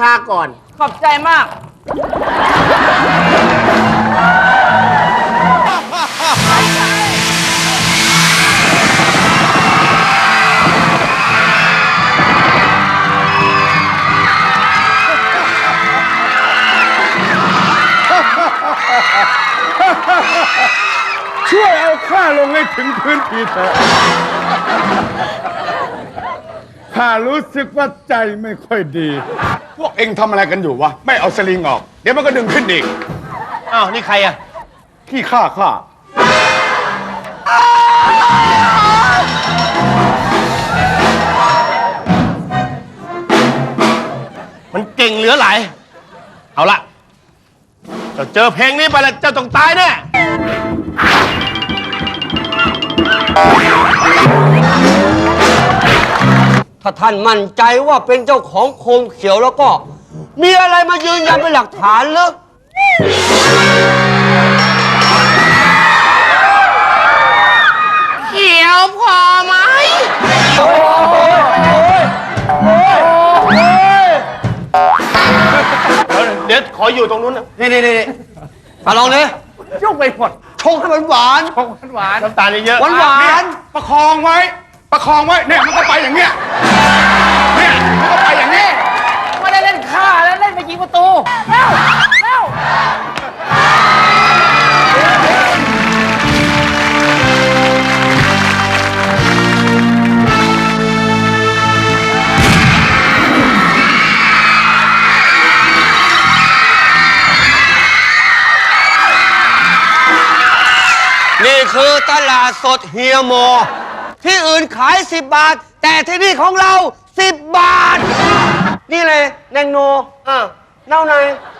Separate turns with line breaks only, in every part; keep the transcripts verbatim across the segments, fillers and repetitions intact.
าก่อน
ขอบใจมาก
ช่วยเอาข้าลงให้ถึงพื้นทีเถอะข้ารู้สึกว่าใจไม่ค่อยดี พวกเอ็งทำอะไรกันอยู่วะ ไม่เอาสลิงออก เดี๋ยวมันก็ดึงขึ้นอีก
อ้าว นี่ใครอะ
ขี้ข้าข้า
มันเก่งเหลือหลาย เอาละเจ้าเจอเพลงนี้ไปแล้วเจ้าต้องตายแน่
ถ้าท่านมั่นใจว่าเป็นเจ้าของโคมเขียวแล้วก็ มีอะไรมายืนยันเป็นหลักฐานหรือ
เขียวพอไหม
เดี๋ยวขออยู่ตรงนู้นนะ
นี่นี่นี่มาลองเลย
ยุ่งไปหมด
ชงให้มันหวาน
หวาน
น้ำตาลเยอะๆ
หวานหวาน
ประคองไว้ ประคองไว้ เนี่ยมันก็ไปอย่างเงี้ย เนี่ยมันก็ไปอย่างนี้
ไม่ได้เล่นฆ่าแล้วเล่นไปยิงประตูเร็วเร็ว
นี่คือตลาดสดเฮียโม ที่อื่นขายสิบบาท แต่ที่นี่ของเราสิบบาท นี่เลยแนงโนอ่ะเน่าใน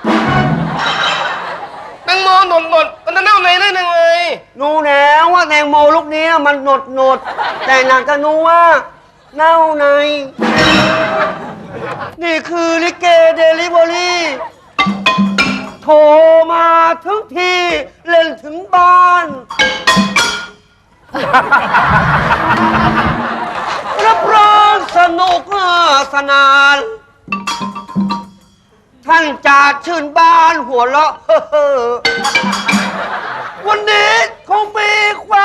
แตงโมหนดหนดมันจะเน่าในได้ยังไง
นูแล้วว่าแตงโมลูกนี้มันหนดหนดแต่หนังกะนูว่าเน่าใน นี่คือลิเกเดลิเวอรี่โทรมาถึงที่เล่นถึงบ้านรับรองสนุกสนาน ท่านจะชื่นบานหัวเราะ วันนี้คงมีแคว